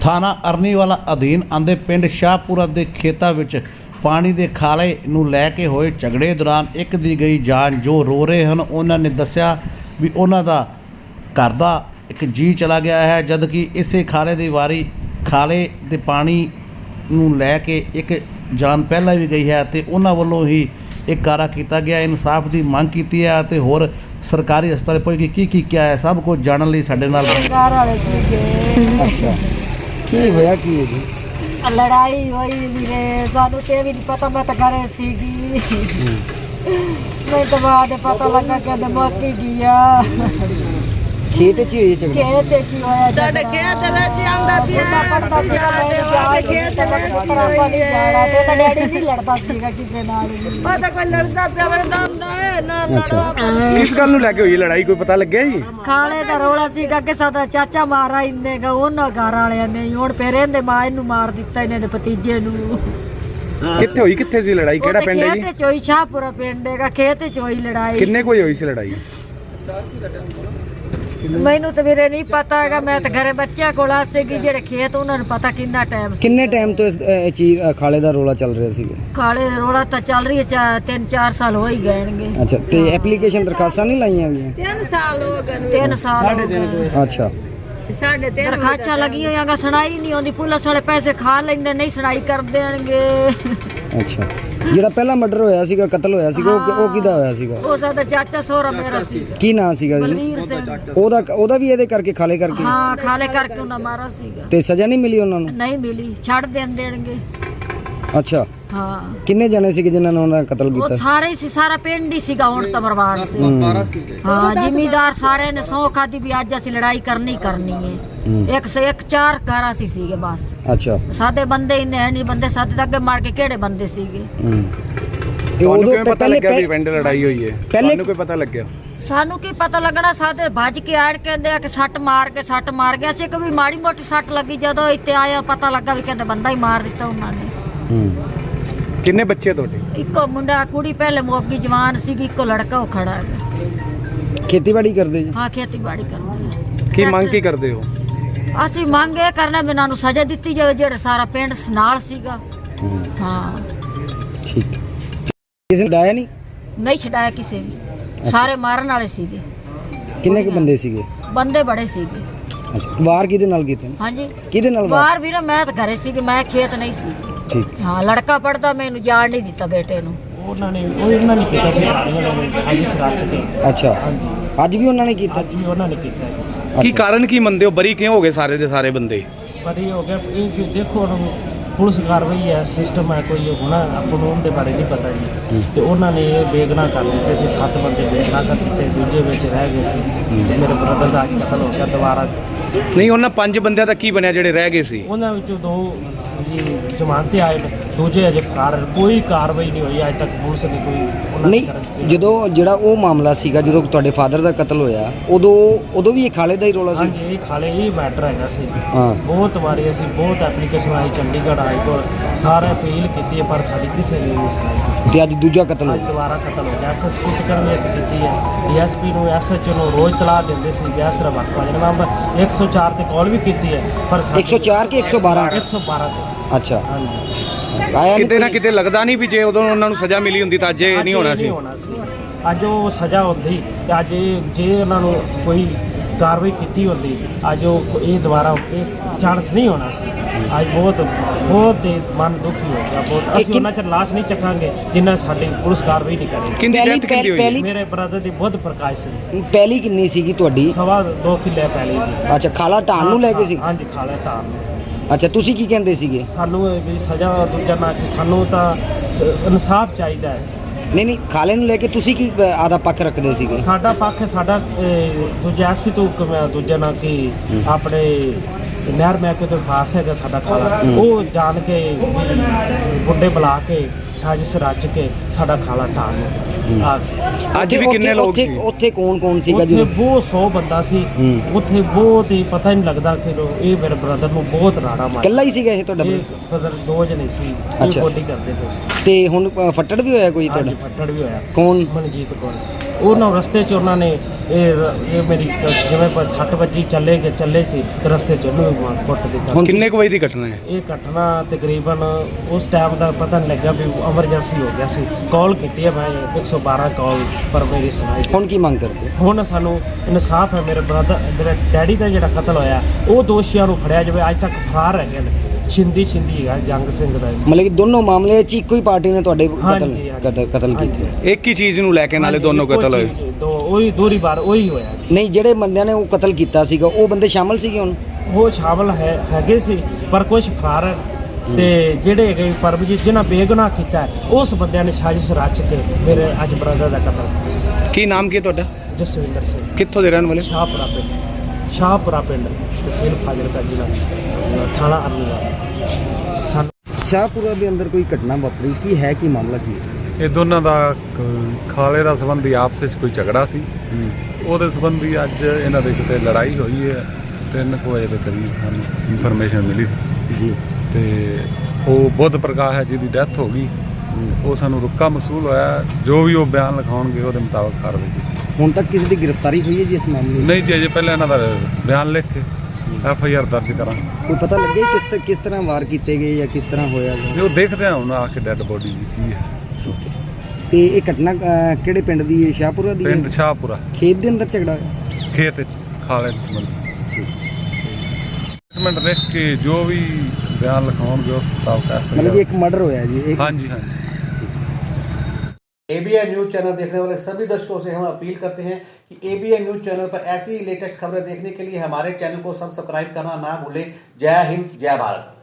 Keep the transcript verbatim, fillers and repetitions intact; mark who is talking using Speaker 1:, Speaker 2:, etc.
Speaker 1: ਥਾਣਾ ਅਰਨੀਵਾਲਾ ਅਧੀਨ ਆਉਂਦੇ ਪਿੰਡ ਸ਼ਾਹਪੁਰਾ ਦੇ ਖੇਤਾਂ ਵਿੱਚ ਪਾਣੀ ਦੇ ਖਾਲੇ ਨੂੰ ਲੈ ਕੇ ਹੋਏ ਝਗੜੇ ਦੌਰਾਨ ਇੱਕ ਦੀ ਗਈ ਜਾਨ। ਜੋ ਰੋ ਰਹੇ ਹਨ ਉਹਨਾਂ ਨੇ ਦੱਸਿਆ ਵੀ ਉਹਨਾਂ ਦਾ ਘਰ ਦਾ ਇੱਕ ਜੀ ਚਲਾ ਗਿਆ ਹੈ, ਜਦ ਕਿ ਇਸੇ ਖਾਲੇ ਦੀ ਵਾਰੀ ਖਾਲੇ ਦੇ ਪਾਣੀ ਨੂੰ ਲੈ ਕੇ ਇੱਕ ਜਾਨ ਪਹਿਲਾਂ ਵੀ ਗਈ ਹੈ ਤੇ ਉਹਨਾਂ ਵੱਲੋਂ ਹੀ ਇੱਕ ਕਾਰਾ ਕੀਤਾ ਗਿਆ। ਇਨਸਾਫ ਦੀ ਮੰਗ ਕੀਤੀ ਹੈ ਅਤੇ ਹੋਰ ਸਰਕਾਰੀ ਹਸਪਤਾਲ ਪਹੁੰਚ ਕੇ ਕੀ ਕੀ ਕਿਹਾ ਹੈ ਸਭ ਕੁਝ ਜਾਣਨ ਲਈ ਸਾਡੇ ਨਾਲ
Speaker 2: ਘਰ ਵਾਲੇ ਸੀਗੇ।
Speaker 3: ਅੱਛਾ, ਕੀ ਹੋਇਆ ਕੀ ਹੈ ਜੀ?
Speaker 2: ਲੜਾਈ ਹੋਈ ਵੀਰੇ, ਸਾਨੂੰ ਤੇ ਵੀ ਨਹੀਂ ਪਤਾ, ਮੈਂ ਤਾਂ ਘਰੇ ਸੀਗੀ। ਮੈਂ ਤਾਂ ਬਾਅਦ ਪਤਾ ਲੱਗਾ ਕਿ ਦਿਮਾਗੀ ਗਿਆ
Speaker 3: ਖੇਤ 'ਚ ਹੀ ਹੋਈ ਝਗੜਾ?
Speaker 2: ਖੇਤ 'ਚ ਹੀ ਹੋਇਆ।
Speaker 4: ਸਾਡੇ ਖੇਤ ਦੇ ਵਿੱਚ ਆਉਂਦਾ ਪਿਆ
Speaker 2: ਪੜਦਾ ਸੀਗਾ, ਮੈਂ ਜਾ ਖੇਤ ਤੇ ਪੁੱਤਰਾ ਨਹੀਂ ਜਾਣਾ ਤੇ ਤਾਂ ਡੈਡੀ ਵੀ ਲੜਦਾ ਸੀਗਾ ਕਿਸੇ ਨਾਲ ਵੀ।
Speaker 4: ਉਹ ਤਾਂ ਕੋਈ ਲੜਦਾ ਪਿਆ ਲੜਦਾ ਹੁੰਦਾ ਹੈ ਨਾ ਲੜਦਾ।
Speaker 5: ਕਿਸ ਗੱਲ ਨੂੰ ਲੈ ਕੇ ਹੋਈ ਲੜਾਈ, ਕੋਈ ਪਤਾ ਲੱਗਿਆ ਜੀ?
Speaker 2: ਖਾਲੇ ਦਾ ਰੋਲਾ ਸੀਗਾ ਕਿ ਸਾਡਾ ਚਾਚਾ ਮਾਰਾ ਇੰਨੇਗਾ ਉਹਨਾਂ ਘਰ ਵਾਲਿਆਂ ਨੇ। ਹੁਣ ਫਿਰ ਇਹਦੇ ਮਾਂ ਇਹਨੂੰ ਮਾਰ ਦਿੱਤਾ, ਇਹਨੇ ਦੇ ਭਤੀਜੇ ਨੂੰ।
Speaker 5: ਕਿੱਥੇ ਹੋਈ, ਕਿੱਥੇ ਸੀ ਲੜਾਈ, ਕਿਹੜਾ ਪਿੰਡ ਹੈ ਜੀ?
Speaker 2: ਖੇਤ 'ਚ ਹੋਈ, ਸ਼ਾਹਪੁਰਾ ਪਿੰਡ ਹੈਗਾ, ਖੇਤ 'ਚ ਹੋਈ ਲੜਾਈ।
Speaker 5: ਕਿੰਨੇ ਕੋਈ ਹੋਈ ਸੀ ਲੜਾਈ?
Speaker 2: ਮੈਨੂੰ ਤਾਂ ਵੀਰੇ ਨਹੀਂ ਪਤਾ ਹੈਗਾ, ਮੈਂ ਤਾਂ ਘਰੇ ਬੱਚਿਆਂ ਕੋਲ ਆ ਸੀਗੀ। ਜਿਹੜੇ ਖੇਤ ਉਹਨਾਂ ਨੂੰ ਪਤਾ ਕਿੰਨਾ ਟਾਈਮ ਸੀ।
Speaker 3: ਕਿੰਨੇ ਟਾਈਮ ਤੋਂ ਇਸ ਇਹ ਚੀਜ਼ ਅ, ਖਾਲੇ ਦਾ ਰੋਲਾ ਚੱਲ ਰਿਹਾ ਸੀਗਾ?
Speaker 2: ਖਾਲੇ ਦਾ ਰੋਲਾ ਤਾਂ ਚੱਲ ਰਹੀ ਹੈ, ਚਾ- ਤਿੰਨ ਚਾਰ ਸਾਲ ਹੋ ਹੀ ਗਏਣਗੇ।
Speaker 3: ਅੱਛਾ, ਤੇ ਐਪਲੀਕੇਸ਼ਨ ਦਰਖਾਸਤਾਂ ਨਹੀਂ ਲਾਈਆਂ ਗਈਆਂ?
Speaker 4: ਤਿੰਨ ਸਾਲ ਹੋ ਗਏ ਨੂੰ।
Speaker 2: ਤਿੰਨ ਸਾਲ ਹੋ ਗਏ।
Speaker 3: ਅੱਛਾ,
Speaker 4: ਸਾਡੇ ਤਿੰਨ
Speaker 2: ਦਰਖਾਸਤਾਂ ਲੱਗੀਆਂ ਹੋਈਆਂ, ਸੁਣਾਈ ਨਹੀਂ ਆਉਂਦੀ। ਪੁਲਿਸ ਵਾਲੇ ਪੈਸੇ ਖਾ ਲੈਂਦੇ, ਨਹੀਂ ਸੁਣਾਈ ਕਰ ਦੇਣਗੇ।
Speaker 3: ਅੱਛਾ। ਜਿਹੜਾ ਪਹਿਲਾ ਮਰਡਰ ਹੋਇਆ ਸੀਗਾ, ਕਤਲ ਹੋਇਆ ਸੀਗਾ, ਉਹ ਉਹ ਕਿਹਦਾ ਹੋਇਆ ਸੀਗਾ?
Speaker 2: ਉਹ ਸਾਡਾ ਚਾਚਾ ਸੋਹਰਾ ਮੇਰਾ ਸੀ,
Speaker 3: ਕੀ ਨਾਂ ਸੀਗਾ ਜੀ?
Speaker 2: ਬਲਵੀਰ ਸਿੰਘ।
Speaker 3: ਉਹਦਾ ਉਹਦਾ ਵੀ ਇਹਦੇ ਕਰਕੇ ਖਾਲੇ ਕਰਕੇ?
Speaker 2: ਹਾਂ, ਖਾਲੇ ਕਰਕੇ ਉਹਨਾਂ ਮਾਰਾ ਸੀਗਾ।
Speaker 3: ਤੇ ਸਜ਼ਾ ਨਹੀਂ ਮਿਲੀ ਉਹਨਾਂ ਨੂੰ?
Speaker 2: ਨਹੀਂ ਮਿਲੀ, ਛੱਡ ਦੇਣ ਦੇਣਗੇ।
Speaker 3: ਅੱਛਾ,
Speaker 2: ਹਾਂ,
Speaker 3: ਕਿੰਨੇ ਜਣੇ ਸੀਗੇ ਜਿਨ੍ਹਾਂ ਨੇ ਉਹਨਾਂ ਦਾ ਕਤਲ
Speaker 2: ਉਹ
Speaker 3: ਕੀਤਾ?
Speaker 2: ਸਾਰੇ ਹੀ ਸੀ, ਸਾਰਾ ਪਿੰਡ ਹੀ ਸੀਗਾ ਹੁਣ ਤਾਂ ਬਰਬਾਦ ਸੀ।
Speaker 3: ਹੂੰ।
Speaker 2: ਹਾਂ, ਜ਼ਿਮੀਦਾਰ ਸਾਰੇ ਨੇ ਸਹੁੰ ਖਾਦੀ ਵੀ ਅੱਜ ਅਸੀਂ ਲੜਾਈ ਕਰਨੀ ਕਰਨੀ ਹੈ।
Speaker 3: ਹੂੰ।
Speaker 2: ਇੱਕ ਸੇ ਇੱਕ ਚਾਰ ਘਰ ਅਸੀਂ ਸੀਗੇ ਬਸ।
Speaker 3: ਅੱਛਾ।
Speaker 2: ਸਾਦੇ ਬੰਦੇ ਇੰਨੇ ਹੈ ਨਹੀਂ, ਬੰਦੇ ਸਾਡੇ ਅੱਗੇ ਮਾਰ ਕੇ ਕਿਹੜੇ ਬੰਦੇ ਸੀਗੇ।
Speaker 3: ਹੂੰ। ਇਹ
Speaker 5: ਤੁਹਾਨੂੰ
Speaker 3: ਉਦੋਂ
Speaker 5: ਕਿਵੇਂ ਪਤਾ
Speaker 3: ਪਹਿਲੇ
Speaker 5: ਲੱਗਿਆ ਵੀ ਪਿੰਡ ਲੜਾਈ ਹੋਈ ਹੈ?
Speaker 3: ਪਹਿਲੇ-
Speaker 5: ਤੁਹਾਨੂੰ ਕੋਈ ਪਤਾ ਲੱਗਿਆ?
Speaker 2: ਸਾਨੂੰ ਕੀ ਪਤਾ ਲੱਗਣਾ, ਸਾਡੇ ਭੱਜ ਕੇ ਆੜ ਕਹਿੰਦੇ ਆ ਕਿ ਸੱਟ ਮਾਰ ਕੇ ਸੱਟ ਮਾਰ ਗਿਆ ਸੀ। ਕਿ ਵੀ ਮਾੜੀ ਮੋਟੀ ਸੱਟ ਲੱਗੀ, ਜਦੋਂ ਇੱਥੇ ਆਇਆ ਪਤਾ ਲੱਗਾ ਵੀ ਕਹਿੰਦੇ ਬੰਦਾ ਹੀ ਮਾਰ ਦਿੱਤਾ ਉਹਨਾਂ ਨੇ।
Speaker 3: ਹੂੰ।
Speaker 5: ਕਿੰਨੇ ਬੱਚੇ ਤੁਹਾਡੇ?
Speaker 2: ਇੱਕੋ ਮੁੰਡਾ, ਕੁੜੀ ਪਹਿਲੇ ਮੋਗੀ ਜਵਾਨ ਸੀਗੀ, ਇੱਕੋ ਲੜਕਾ ਉਹ ਖੜਾ ਹੈ।
Speaker 3: ਖੇਤੀਬਾੜੀ ਕਰਦੇ ਜੀ?
Speaker 2: ਹਾਂ, ਖੇਤੀਬਾੜੀ ਕਰਦੀ ਹੈ।
Speaker 5: ਕੀ ਮੰਗ ਕੀ ਕਰਦੇ ਹੋ?
Speaker 2: ਅਸੀਂ ਮੰਗ ਇਹ ਕਰਨਾ ਵੀ ਇਹਨਾਂ ਨੂੰ ਸਜ਼ਾ ਦਿੱਤੀ ਜਾਵੇ, ਜਿਹੜਾ ਸਾਰਾ ਪਿੰਡ ਨਾਲ ਸੀਗਾ।
Speaker 3: ਹੂੰ।
Speaker 2: ਹਾਂ,
Speaker 3: ਠੀਕ। ਕਿਸੇ ਨੇ ਡਾਇਆ ਨਹੀਂ?
Speaker 2: ਨਹੀਂ ਛਡਾਇਆ ਕਿਸੇ ਵੀ, ਸਾਰੇ ਮਾਰਨ ਵਾਲੇ ਸੀਗੇ।
Speaker 3: ਕਿੰਨੇ ਕੁ ਬੰਦੇ ਸੀਗੇ?
Speaker 2: ਬੰਦੇ ਬੜੇ ਸੀਗੇ।
Speaker 3: ਅੱਛਾ, ਵਾਰ ਕਿਹਦੇ ਨਾਲ ਕੀਤੇ ਨੇ?
Speaker 2: ਹਾਂਜੀ,
Speaker 3: ਕਿਹਦੇ ਨਾਲ ਵਾਰ?
Speaker 2: ਬਾਹਰ ਵੀਰ ਮੈਂ ਤਾਂ ਘਰੇ ਸੀਗੀ, ਮੈਂ ਖੇਤ ਨਹੀਂ ਸੀ।
Speaker 3: ਠੀਕ।
Speaker 2: ਹਾਂ, ਲੜਕਾ ਪੜਦਾ, ਮੈਨੂੰ ਜਾਣ ਨਹੀਂ ਦਿੱਤਾ ਬੇਟੇ ਨੂੰ।
Speaker 6: ਉਹਨਾਂ ਨੇ ਉਹ ਇਹਨਾਂ ਨੇ ਕੀਤਾ ਸੀ, ਉਹਨਾਂ ਨੇ ਸਾਜ਼ਿਸ਼ ਰਚ ਕੇ।
Speaker 3: ਅੱਛਾ, ਅੱਜ ਵੀ ਉਹਨਾਂ ਨੇ ਕੀਤਾ?
Speaker 6: ਅੱਜ ਵੀ ਉਹਨਾਂ ਨੇ ਕੀਤਾ ਹੈ।
Speaker 5: ਕੀ ਕਾਰਨ ਕੀ ਮੰਨਦੇ ਹੋ, ਬਰੀ ਕਿਉਂ ਹੋ ਗਏ ਸਾਰੇ ਦੇ ਸਾਰੇ ਬੰਦੇ?
Speaker 6: ਪਰ ਇਹ ਹੋ ਗਿਆ, ਇਹ ਕਿ ਦੇਖੋ ਹੁਣ ਪੁਲਿਸ ਕਾਰਵਾਈ ਹੈ, ਸਿਸਟਮ ਹੈ, ਕੋਈ ਹੋਣਾ ਆਪਾਂ ਨੂੰ ਉਹਦੇ ਬਾਰੇ ਨਹੀਂ ਪਤਾ ਜੀ। ਤੇ ਉਹਨਾਂ ਨੇ ਇਹ ਬੇਗੁਨਾਹ ਕਰ ਦਿੱਤੇ ਸੀ, ਸੱਤ ਬੰਦੇ ਬੇਗੁਨਾਹ ਕਰ ਦਿੱਤੇ, ਦੂਜੇ ਵਿੱਚ ਰਹਿ ਗਏ ਸੀ। ਤੇ ਮੇਰੇ ਬ੍ਰਦਰ ਦਾ ਅੱਜ ਕਤਲ ਹੋ ਗਿਆ ਦੁਬਾਰਾ।
Speaker 5: ਨਹੀਂ, ਉਹਨਾਂ ਪੰਜ ਬੰਦਿਆਂ ਦਾ ਕੀ ਬਣਿਆ ਜਿਹੜੇ ਰਹਿ ਗਏ ਸੀ?
Speaker 6: ਉਹਨਾਂ ਵਿੱਚੋਂ ਦੋ ਜੀ ਜ਼ਮਾਨਤ ਤੇ ਆਏ ਨੇ, ਦੂਜੇ ਅਜੇ ਫਰਾਰ ਹਨ। ਕੋਈ ਕਾਰਵਾਈ ਨਹੀਂ ਹੋਈ ਅੱਜ ਤੱਕ, ਪੁਲਿਸ ਨੇ ਕੋਈ ਉਹਨਾਂ ਦੀ ਕਰਨ
Speaker 3: ਨਹੀਂ, ਜਦੋਂ ਜਿਹੜਾ ਉਹ ਮਾਮਲਾ ਸੀਗਾ, ਜਦੋਂ ਤੁਹਾਡੇ ਫਾਦਰ ਦਾ ਕਤਲ ਹੋਇਆ, ਉਦੋਂ ਉਦੋਂ ਵੀ ਇਹ ਖਾਲੇ ਦਾ ਹੀ ਰੋਲਾ ਸੀ?
Speaker 6: ਹਾਂਜੀ, ਇਹ ਖਾਲੇ ਇਹ ਮੈਟਰ ਹੈਗਾ ਸੀ।
Speaker 3: ਹਾਂ।
Speaker 6: ਬਹੁਤ ਵਾਰੀ ਅਸੀਂ ਬਹੁਤ ਐਪਲੀਕੇਸ਼ਨ ਆਈ, ਚੰਡੀਗੜ੍ਹ ਹਾਈ ਕੋਰਟ ਸਾਰੇ ਅਪੀਲ ਕੀਤੀ ਹੈ, ਪਰ ਸਾਡੀ ਕਿਸੇ ਨੇ ਨਹੀਂ ਸੁਣਾਈ।
Speaker 3: ਤੇ ਅੱਜ ਦੂਜਾ ਕਤਲ ਹੋ
Speaker 6: ਅੱਜ
Speaker 3: ਗਿਆ।
Speaker 6: ਦੁਬਾਰਾ ਕਤਲ ਹੋ ਗਿਆ। ਐਸਐਸ ਪੁੱਟ ਕਰਨ ਦੀ ਅਸੀਂ ਕੀਤੀ ਹੈ, ਡੀਐਸਪੀ ਨੂੰ, ਐਸਐਚਓ ਨੂੰ ਰੋਜ਼ ਤਲਾਹ ਦਿੰਦੇ ਸੀ ਵੀ ਇਸ ਤਰ੍ਹਾਂ ਵਾਕਿਆ ਜਨਾਬ। ਨੰਬਰ ਇੱਕ ਸੌ ਚਾਰ ਤੇ ਕਾਲ ਵੀ ਕੀਤੀ ਹੈ, ਪਰ ਸਾਡੀ-
Speaker 3: ਇੱਕ ਸੌ ਚਾਰ ਕਿ ਇੱਕ ਸੌ ਬਾਰਾਂ?
Speaker 6: ਇੱਕ ਸੌ ਬਾਰਾਂ ਤੇ।
Speaker 3: ਅੱਛਾ।
Speaker 6: ਹਾਂਜੀ,
Speaker 3: ਆਇਆ
Speaker 5: ਕਿਤੇ ਨਾ
Speaker 3: ਨਹੀਂ
Speaker 5: ਕਿਤੇ ਲੱਗਦਾ ਨਹੀਂ ਵੀ ਜੇ ਉਦੋਂ ਉਹਨਾਂ ਨੂੰ ਸਜ਼ਾ ਮਿਲੀ ਹੁੰਦੀ ਤਾਂ ਅੱਜ ਇਹ
Speaker 6: ਅੱਜ
Speaker 5: ਨਹੀਂ ਹੋਣਾ
Speaker 6: ਇਹ
Speaker 5: ਸੀ?
Speaker 6: ਹੋਣਾ ਸੀ। ਅੱਜ ਉਹ ਸਜ਼ਾ ਹੁੰਦੀ ਤੇ ਅੱਜ ਇਹ ਜੇ ਉਹਨਾਂ ਨੂੰ ਕੋਈ ਕਾਰਵਾਈ ਕੀਤੀ ਹੁੰਦੀ, ਅੱਜ ਉਹ ਇਹ ਦੁਬਾਰਾ ਇਹ ਚਾਂਸ ਨਹੀਂ ਹੋਣਾ ਸੀ। ਅੱਜ ਬਹੁਤ ਬਹੁਤ ਹੀ ਮਨ ਦੁਖੀ ਹੋ ਗਿਆ ਬਹੁਤ। ਅਸੀਂ ਉਹਨਾਂ ਚਿਰ ਲਾਸ਼ ਨਹੀਂ ਚੱਕਾਂਗੇ ਜਿੰਨਾ ਸਾਡੀ ਪੁਲਿਸ ਕਾਰਵਾਈ ਨਹੀਂ ਕਰੇਗੀ।
Speaker 5: ਕਿੰਦੀ
Speaker 3: ਪਹਿਲੀ-
Speaker 5: ਡੈਥ ਕਿੰਦੀ ਹੋਈ?
Speaker 3: ਪਹਿਲੀ-
Speaker 6: ਮੇਰੇ ਬ੍ਰਦਰ ਦੀ ਬੁੱਧ ਪ੍ਰਕਾਸ਼ ਸਿੰਘ,
Speaker 3: ਪਹਿਲੀ ਕਿੰਨੀ ਸੀਗੀ ਤੁਹਾਡੀ?
Speaker 6: ਸਵਾ ਦੋ ਕਿੱਲੇ ਪਹਿਲੇ ਜੀ।
Speaker 3: ਅੱਛਾ, ਖਾਲਾ ਢਾਣ ਨੂੰ ਲੈ ਕੇ ਸੀ?
Speaker 6: ਹਾਂਜੀ, ਖਾਲਾ ਢਾਣ ਨੂੰ।
Speaker 3: ਅੱਛਾ, ਤੁਸੀਂ ਕੀ ਕਹਿੰਦੇ ਸੀਗੇ?
Speaker 6: ਸਾਨੂੰ ਇਹ ਵੀ ਸਜ਼ਾ, ਦੂਜਾ ਨਾ ਕਿ ਸਾਨੂੰ ਤਾਂ ਸ- ਇਨਸਾਫ ਚਾਹੀਦਾ ਹੈ।
Speaker 3: ਨਹੀਂ ਨਹੀਂ, ਖਾਲੇ ਨੂੰ ਲੈ ਕੇ ਤੁਸੀਂ ਕੀ ਅ, ਆਦਾ ਪੱਖ ਰੱਖਦੇ ਸੀਗੇ?
Speaker 6: ਸਾਡਾ ਪੱਖ ਹੈ, ਸਾਡਾ ਅਹ, ਦੂਜਾ ਅਸੀਂ ਤੋਂ ਹੁਕਮ, ਦੂਜਾ ਨਾ ਕਿ ਆਪਣੇ ਨਹਿਰ ਮਹਿਕਮੇ ਤੋਂ ਪਾਸ ਹੈਗਾ ਸਾਡਾ ਖਾਲਾ। ਉਹ ਜਾਣ ਕੇ ਗੁੱਡੇ ਬੁਲਾ ਕੇ ਸਾਜ਼ਿਸ਼ ਰਚ ਕੇ ਸਾਡਾ ਖਾਲਾ ਢਾਣ ਨੂੰ।
Speaker 5: ਅੱਜ ਵੀ
Speaker 3: ਉੱਥੇ-
Speaker 5: ਕਿੰਨੇ ਲੋਕ
Speaker 3: ਉੱਥੇ
Speaker 5: ਸੀ?
Speaker 3: ਉੱਥੇ ਕੌਣ ਕੌਣ ਸੀਗਾ
Speaker 6: ਉੱਥੇ
Speaker 3: ਜਦੋਂ?
Speaker 6: ਬਹੁਤ ਸੌ ਬੰਦਾ ਸੀ।
Speaker 3: ਹੂੰ।
Speaker 6: ਉੱਥੇ ਬਹੁਤ ਹੀ ਪਤਾ ਹੀ ਨਹੀਂ ਲੱਗਦਾ ਕਿ ਲੋ- ਇਹ ਮੇਰੇ ਬ੍ਰਦਰ ਨੂੰ ਬਹੁਤ ਰਾੜਾ ਮਾਰਿਆ।
Speaker 3: ਇਕੱਲਾ ਹੀ ਸੀਗਾ ਇਹ ਤੁਹਾਡਾ?
Speaker 6: ਇਹ ਬ੍ਰਦਰ ਦੋ ਜਣੇ ਸੀ, ਇਹ
Speaker 3: ਅੱਛਾ।
Speaker 6: ਬੋਡੀ ਕਰਦੇ ਪਏ ਸੀ।
Speaker 3: ਤੇ ਹੁਣ ਅ, ਫੱਟੜ ਵੀ ਹੋਇਆ ਕੋਈ
Speaker 6: ਹਾਂਜੀ,
Speaker 3: ਤੁਹਾਡਾ?
Speaker 6: ਫੱਟੜ ਵੀ ਹੋਇਆ।
Speaker 3: ਕੌਣ?
Speaker 6: ਮਨਜੀਤ ਕੌਰ। ਉਹਨਾਂ ਰਸਤੇ 'ਚ ਉਹਨਾਂ ਨੇ ਇਹ ਇਹ ਮੇਰੀ ਜਿਵੇਂ ਪਰ ਸੱਟ ਵੱਜੀ ਚੱਲੇ ਗਏ ਚੱਲੇ ਸੀ ਤੇ ਰਸਤੇ 'ਚ ਉਹਨੂੰ ਵੀ ਮਾਰ ਕੁੱਟ ਦਿੱਤਾ।
Speaker 5: ਕਿੰਨੇ ਕੁ ਵਜੇ ਦੀ ਘਟਨਾ ਹੈ?
Speaker 6: ਇਹ ਘਟਨਾ ਤਕਰੀਬਨ ਉਸ ਟਾਈਮ ਦਾ ਪਤਾ ਨਹੀਂ ਲੱਗਾ ਵੀ ਐਮਰਜੈਂਸੀ ਹੋ ਗਿਆ ਸੀ। ਕਾਲ ਕੀਤੀ ਹੈ ਮੈਂ ਇੱਕ ਸੌ ਬਾਰਾਂ ਕਾਲ ਪਰ ਮੇਰੀ ਸੁਣਾਈ ਨਹੀਂ।
Speaker 3: ਹੁਣ ਕੀ ਮੰਗ ਕਰਦੇ?
Speaker 6: ਹੁਣ ਸਾਨੂੰ ਇਨਸਾਫ ਹੈ। ਮੇਰੇ ਬ੍ਰਦਰ ਮੇਰੇ ਡੈਡੀ ਦਾ ਜਿਹੜਾ ਕਤਲ ਹੋਇਆ ਉਹ ਦੋਸ਼ੀਆਂ ਨੂੰ ਫੜਿਆ ਜਾਵੇ। ਅੱਜ ਤੱਕ ਫਰਾਰ ਹੈਗੇ ਨੇ। ਸ਼ਿੰਦੀ ਸ਼ਿੰਦੀ ਹੈਗਾ ਜੰਗ ਸਿੰਘ ਦਾ।
Speaker 3: ਮਤਲਬ ਕਿ ਦੋਨੋਂ ਮਾਮਲੇ 'ਚ ਇੱਕੋ ਹੀ ਪਾਰਟੀ ਨੇ ਤੁਹਾਡੇ ਕਤਲ
Speaker 6: ਹਾਂਜੀ, ਹਾਂਜੀ।
Speaker 3: ਕਤਲ ਕਤਲ ਕੀਤੇ?
Speaker 5: ਇੱਕ ਹੀ ਚੀਜ਼ ਨੂੰ ਲੈ ਕੇ ਨਾਲੇ ਦੋਨੋਂ ਕਤਲ ਹੋਏ?
Speaker 6: ਦੋ ਉਹੀ ਦੂਰੀ ਬਾਰ ਉਹੀ ਹੋਇਆ।
Speaker 3: ਨਹੀਂ, ਜਿਹੜੇ ਬੰਦਿਆਂ ਨੇ ਉਹ ਕਤਲ ਕੀਤਾ ਸੀਗਾ ਉਹ ਬੰਦੇ ਸ਼ਾਮਲ ਸੀਗੇ ਹੁਣ?
Speaker 6: ਉਹ ਸ਼ਾਮਲ ਹੈ ਹੈਗੇ ਸੀ ਪਰ ਕੁਝ ਫਰਾਰ ਹੈ ਤੇ ਜਿਹੜੇ ਹੈਗੇ ਪਰਮਜੀਤ ਜਿਨ੍ਹਾਂ ਬੇਗੁਨਾਹ ਕੀਤਾ ਹੈ, ਉਸ ਬੰਦਿਆਂ ਨੇ ਸਾਜ਼ਿਸ਼ ਰਚ ਕੇ ਮੇਰੇ ਅੱਜ ਬ੍ਰਦਰ ਦਾ ਕਤਲ ਕੀਤਾ।
Speaker 5: ਕੀ ਨਾਮ ਕੀ ਹੈ ਤੁਹਾਡਾ?
Speaker 6: ਜਸਵਿੰਦਰ ਸਿੰਘ,
Speaker 5: ਕਿੱਥੋਂ ਦੇ ਰਹਿਣ ਵਾਲੇ?
Speaker 6: ਸ਼ਾਹਪੁਰਾ ਪਿੰਡ ਸ਼ਾਹਪੁਰਾ ਪਿੰਡ ਤਹਿਸੀਲ ਫਾਜ਼ਿਲਕਾ ਜ਼ਿਲ੍ਹਾ ਥਾਣਾ ਅਰਨੀਵਾਲ। ਸਾਨੂੰ
Speaker 3: ਸ਼ਾਹਪੁਰਾ ਦੇ ਅੰਦਰ ਕੋਈ ਘਟਨਾ ਵਾਪਰੀ, ਕੀ ਹੈ, ਕੀ ਮਾਮਲਾ ਕੀ ਹੈ?
Speaker 7: ਇਹ ਦੋਨਾਂ ਦਾ ਕ- ਖਾਲੇ ਦਾ ਸੰਬੰਧੀ ਆਪਸ ਵਿੱਚ ਕੋਈ ਝਗੜਾ ਸੀ। ਉਹਦੇ ਸੰਬੰਧੀ ਅੱਜ ਇਹਨਾਂ ਦੇ ਕਿਤੇ ਲੜਾਈ ਹੋਈ ਹੈ। ਤਿੰਨ ਕੁ ਵਜੇ ਦੇ ਕਰੀਬ ਸਾਨੂੰ ਇਨਫੋਰਮੇਸ਼ਨ ਮਿਲੀ
Speaker 3: ਜੀ।
Speaker 7: ਤੇ ਉਹ ਬੁੱਧ ਪ੍ਰਕਾਸ਼ ਹੈ ਜਿਹਦੀ ਡੈਥ ਹੋ ਗਈ। ਉਹ ਸਾਨੂੰ ਰੁੱਕਾ ਮਸੂਲ ਹੋਇਆ। ਜੋ ਵੀ ਉਹ ਬਿਆਨ ਲਿਖਾਉਣਗੇ ਉਹਦੇ ਮੁਤਾਬਕ ਕਾਰਵਾਈ ਕੀਤੀ।
Speaker 3: ਹੁਣ ਤੱਕ ਕਿਸੇ ਦੀ ਗ੍ਰਿਫਤਾਰੀ ਹੋਈ ਹੈ ਜੀ ਇਸ ਮਾਮਲੇ ਵਿੱਚ?
Speaker 7: ਨਹੀਂ ਜੀ, ਅਜੇ ਪਹਿਲਾਂ ਇਹਨਾਂ ਦਾ ਬਿਆਨ ਲਿਖ ਕੇ ਐਫ ਆਈ ਆਰ ਦਰਜ ਕਰਾਂਗੇ।
Speaker 3: ਕੋਈ ਪਤਾ ਲੱਗਿਆ ਕਿਸ ਤ- ਕਿਸ ਤਰ੍ਹਾਂ ਵਾਰ ਕੀਤੇ ਗਏ ਜਾਂ ਕਿਸ ਤਰ੍ਹਾਂ ਹੋਇਆ ਗਾ?
Speaker 7: ਜੇ ਉਹ ਦੇਖਦੇ ਆ ਹੁਣ ਆ ਕੇ ਡੈੱਡ ਬੋਡੀ ਦੀ ਕੀ ਹੈ।
Speaker 3: ਤੇ ਇਹ ਘਟਨਾ ਅਹ, ਕਿਹੜੇ ਪਿੰਡ ਦੀ ਹੈ? ਸ਼ਾਹਪੁਰਾ ਦੀ ਹੈ?
Speaker 7: ਪਿੰਡ ਸ਼ਾਹਪੁਰਾ
Speaker 3: ਖੇਤ ਦੇ ਅੰਦਰ ਝਗੜਾ ਹੋਇਆ?
Speaker 7: ਖੇਤ ਵਿੱਚ ਖਾਲੇ ਦੇ ਸੰਬੰਧੀ ਮਿੰਟ ਲਿਖ ਕੇ ਜੋ ਵੀ ਬਿਆਨ ਲਿਖਾਉਣਗੇ ਉਸ ਮੁਤਾਬਕ ਐਫ ਆਈ
Speaker 3: मतलब कि
Speaker 7: ਆਰ।
Speaker 3: एक मर्डर होया जी एक
Speaker 7: हाँ जी हाँ जी।
Speaker 1: एबीएन न्यूज चैनल देखने वाले सभी दर्शकों से हम अपील करते हैं कि एबीएन न्यूज चैनल पर ऐसी ही लेटेस्ट खबरें देखने के लिए हमारे चैनल को सब्सक्राइब करना ना भूलें। जय हिंद, जय भारत।